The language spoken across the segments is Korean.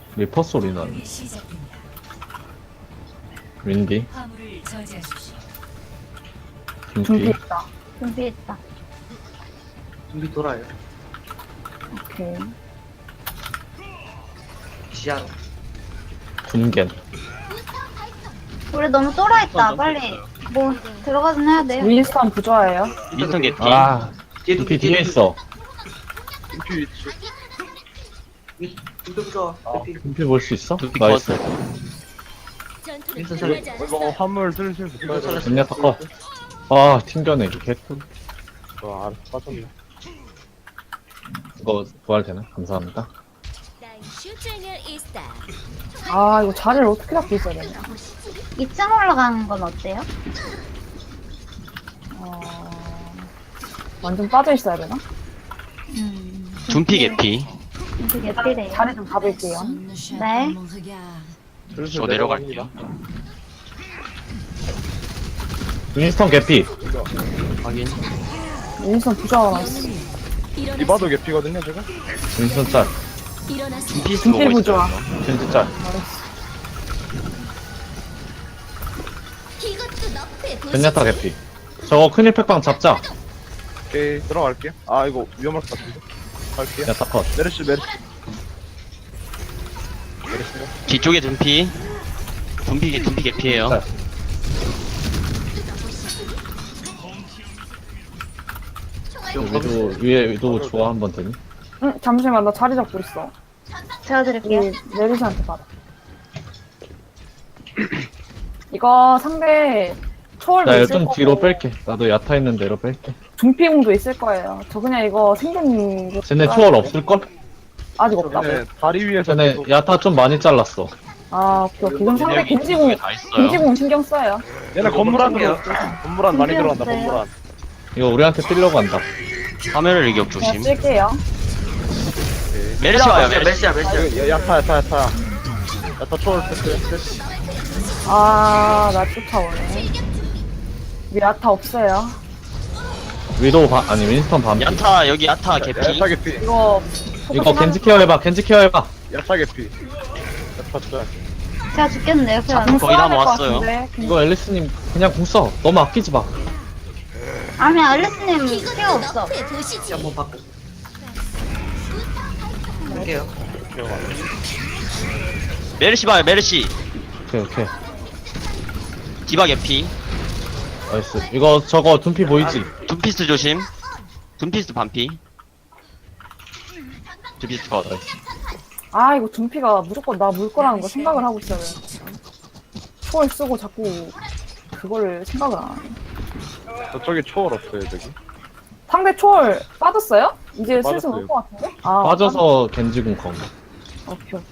리퍼 소리 나네. 시작됩니다. 윈디, 화물을 저지하십시오. 윈디, 준비했다. 준비했다. 준비 돌아요. 오케이. 시야로. 군겐. 우리 너무 쫄아있다. 빨리 뭐 들어가긴 해야 돼. 윈스턴 부조화예요. 윈스턴 개피. 아, 뒤에도 윈디 뒤에 있어. 준비 위치. 준비 좋아. 윈디 볼 수 있어? 윈디 나이스. 윈스턴 살려. 이거 화물 슬슬 붙여야 돼. 젠야 타커. 아, 튕겨내기 개꿀. 알았어, 빠졌네. 이거 부활 되나? 감사합니다. 아, 이거 자리를 어떻게 잡고 있어야 되냐. 2층 올라가는 건 어때요? 완전 빠져 있어야 되나? 둔피 개피. 되게 필해요. 자리 좀 잡을게요. 네. 슬슬 저 내려갈게요. 윈스턴 개피. 확인. 윈스턴 부조화가 있어. 이봐도 개피거든요, 지금? 윈스턴 짤. 둔피스 둔피 보고 부조화. 있어요. 윈디 짤. 젠야타 개피. 저거 큰일 팩방 잡자. 오케이, 들어갈게요. 아, 이거 위험할 것 같은데. 갈게요. 야, 타커. 메르시. 뒤쪽에 둔피. 둔피 개피예요. 짤. 위도, 위에 위도 좋아 한번 되니? 응, 잠시만. 나 자리 잡고 있어. 제가 드릴게요. 이 메르시한테 받아. 이거 상대 초월도 나 있을 좀 거고 뒤로 뺄게. 나도 야타 있는 대로 뺄게. 둔피공도 있을 거예요. 저 그냥 이거 생존 쟤네 초월 없을걸? 아직 없다고. 네, 다리 위에서 쟤네 계속 야타 좀 많이 잘랐어. 아, 오케이. 그럼 상대 여기 겐지공 뒤쪽에 다 있어요. 겐지공 신경 써요. 얘네 건물 안으로 건물 안 많이 들어간다, 준비했어요. 건물 안. 이거 우리한테 뛰려고 한다. 화면을 일격 그냥 조심. 쓸게요. 메르시 와요, 메르시. 메시야 메시야. 야타. 야타 초월 패스. 아, 나 쫓아오네. 우리 야타 없어요. 위도 아니 윈스턴 반피. 야타, 여기 야타 개피. 야타 개피. 이거 이거 겐지 케어 해봐. 겐지 케어 해봐. 야타 개피. 야타 짜. 제가 죽겠는데요. 그냥. 공 거의 다 써야 될것 모았어요. 같은데. 이거 앨리스님 그냥 궁 써. 너무 아끼지 마. 아니 알리스님 필요 없어. 한번 바꿔. 할게요. 메르시 봐요, 메르시. 오케이. 디바 개피. 나이스. 이거 저거 둔피 보이지? 둔피스 조심. 둔피스 반피. 둔피스 컷. 아, 이거 둔피가 무조건 나 물 거라는 거 생각을 하고 있어요. 초월 쓰고 자꾸 그거를 생각을 안 하네. 저쪽에 초월 없어요, 저기. 상대 초월 빠졌어요? 이제 슬슬 빠졌어요. 올 것 같은데? 아, 빠져서 겐지 궁 거. 오케이.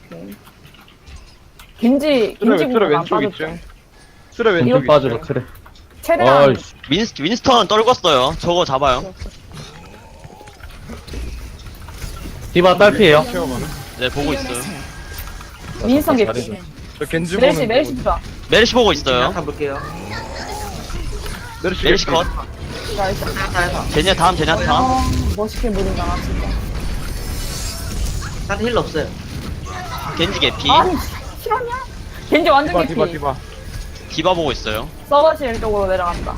겐지 트레 공안 왼쪽 빠졌죠? 2층. 트레 왼쪽 왼쪽 빠지고 2층. 트레. 최대한 아이씨. 윈스턴 떨궜어요. 저거 잡아요. 디바 딸피에요. 네, 보고 있어요. 민성 잘해줘. 개피. 저 겐지 메르시 보는 부자. 메르시 보고 있어요. 가볼게요. 메르시 컷. 나이스. 제냐타. 멋있게 무린다, 나 진짜. 다른 힐 없어요. 겐지 개피. 아니, 실화냐? 겐지 완전 개피. 디바. 디바 보고 있어요. 서버실 쪽으로 내려간다.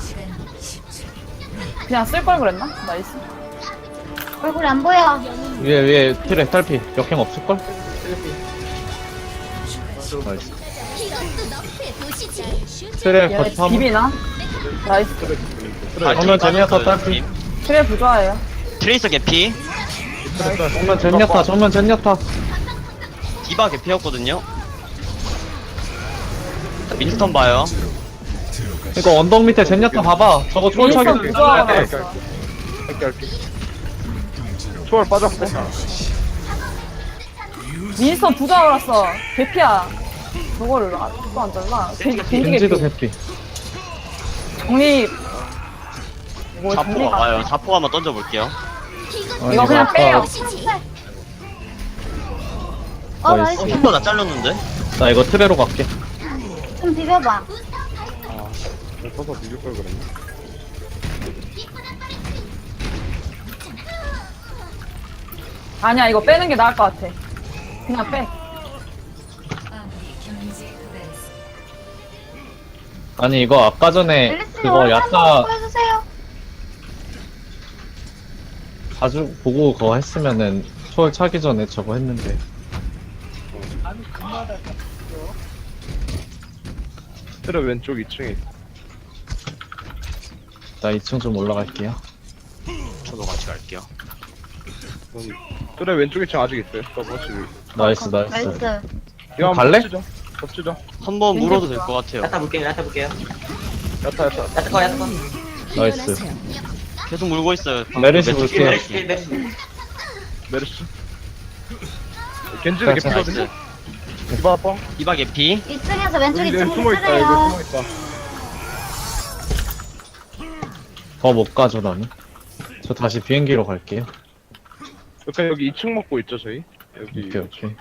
그냥 쓸 걸 그랬나? 나이스. 얼굴이 안 보여. 위에 트레 딸피. 역행 없을걸? 나이스. 트레 얘 거점 한번. 비비나? 나이스. 정면 제니아타 딸피. 트레 부좌예요. 트레이서 개피. 정면 제니아타. 디바 개피였거든요. 윈스턴 봐요. 이거 언덕 밑에 제니아타 봐봐. 저거 초월 민성 차기. 부좌가 할게. 나왔어. 할게. 초월 빠졌고. 민성 부좌가 나왔어. 개피야. 저거를 또안 잘라. 겐지 겐지도 개피. 개피. 정리. 뭐 자포가 정리가. 와요. 자포 한번 던져볼게요. 이거 그냥 아까 빼요. 나이스. 나이스. 힐러 나 잘렸는데? 나 이거 트레로 갈게. 좀 비벼봐. 서서 비빌 걸 그랬네. 아니야, 이거 빼는 게 나을 것 같아. 그냥 빼. 아니 이거 아까 전에 앨리스님 그거 얼른 야타 한번 해주세요. 자주 보고 그거 했으면은 초월 차기 전에 저거 했는데. 트레 왼쪽 2층에 있어. 나 2층 좀 올라갈게요. 저도 같이 갈게요. 트레 왼쪽 2층 아직 있어요. 서버치. 나이스 나이스. 나이스. 이거 갈래? 덮치죠. 한번 물어도 될 것 같아요. 야타 볼게요. 야타 볼게요. 야타. 야타 거 야타 거. 나이스. 계속 물고 있어요. 메르시 왼쪽 볼게요. 메르시. 메르시. 겐지는 자, 개피거든요. 나이스. 디바 뻥. 디바 개피. 2층에서 왼쪽 여기 2층에 숨어있다. 트레요. 이거 숨어있다. 더 못 가죠 나는. 저 다시 비행기로 갈게요. 그러니까 여기 2층 먹고 있죠 저희. 여기. 오케이 오케이.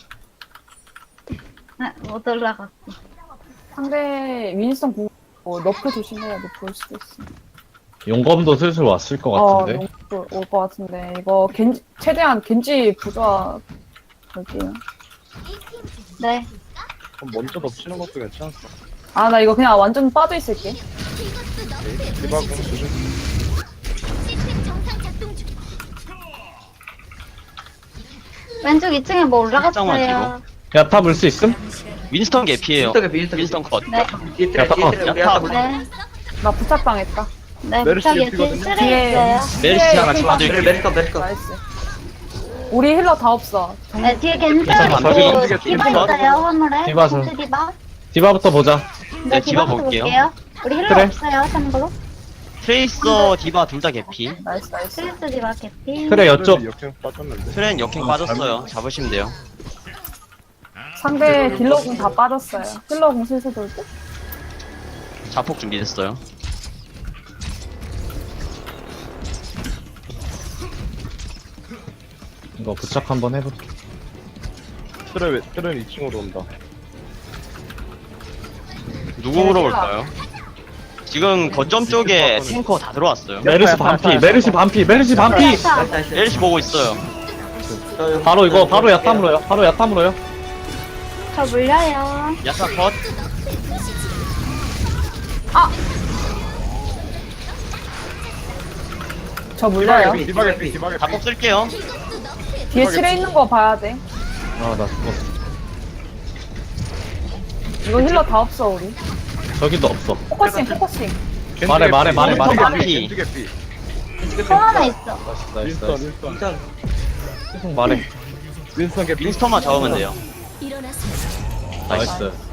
네, 못 올라갔어. 상대 윈스턴 공 너프 조심해야 돼. 볼 수도 있어. 용검도 슬슬 왔을 것 같은데. 올것 같은데. 이거 겐지, 최대한 겐지 부좌 갈게요. 네. 그럼 먼저 덮치는 것도 괜찮았어. 아, 나 이거 그냥 완전 빠져 있을게. 디바 공 조심. 왼쪽 2층에 뭐 살짝만 올라갔어요. 야타 물 수 있음? 윈스턴 개피예요. 윈스턴 개피, 윈스턴 윈스턴 컷. 네. 뒤에 트레 야타 뒤에 트레 우리 야타. 야타 볼게. 네. 나 부착당했다. 네. 메르시 부탁이 개피거든요? 뒤에 뒤에. 트레 있어요. 메르시 하나 메르 잡아드릴게요. 메르 컷 메르 컷. 나이스. 우리 힐러 다 없어. 네, 뒤에 겐지 괜찮아, 있고 나중에 디바 디바. 있어요. 화물에. 디바 좀. 겐지 디바. 디바부터 보자. 네, 디바 디바부터 볼게요. 우리 힐러 그래. 없어요. 참고로. 트레이서 디바 둘 다 개피. 나이스, 나이스. 스리스 디바 개피. 그래 옆쪽. 트레 역행 빠졌는데. 트렌 역행 빠졌어요. 잡으시면 돼요. 상대 딜러공 다 빠졌어요. 힐러공 슬슬 돌고. 자폭 준비됐어요. 이거 부착 한번 해볼게. 트레는 2층으로 온다. 누구 물어볼까요? 지금 거점 쪽에 탱커 다 들어왔어요. 메르시 반피, 메르시 반피, 메르시 반피. 야타. 메르시 보고 있어요. 바로 이거 바로 야타 물어요. 바로 야타 물어요. 저 물려요. 야타 컷. 저 물려요. 디바 개피. 자폭 쓸게요. 뒤에 칠에 있는 거 봐야 돼. 아 나 죽었어. 이거 힐러 다 없어, 우리. 저기도 없어. 포커싱, 포커싱. 말해, 말해, 말해, 말해. 겐지 개피. 또 하나 있어. 나이스 나이스 윈스턴 나이스. 윈스턴. 계속 말해. 윈스턴 개피. 윈스턴만 잡으면 돼요. 나이스.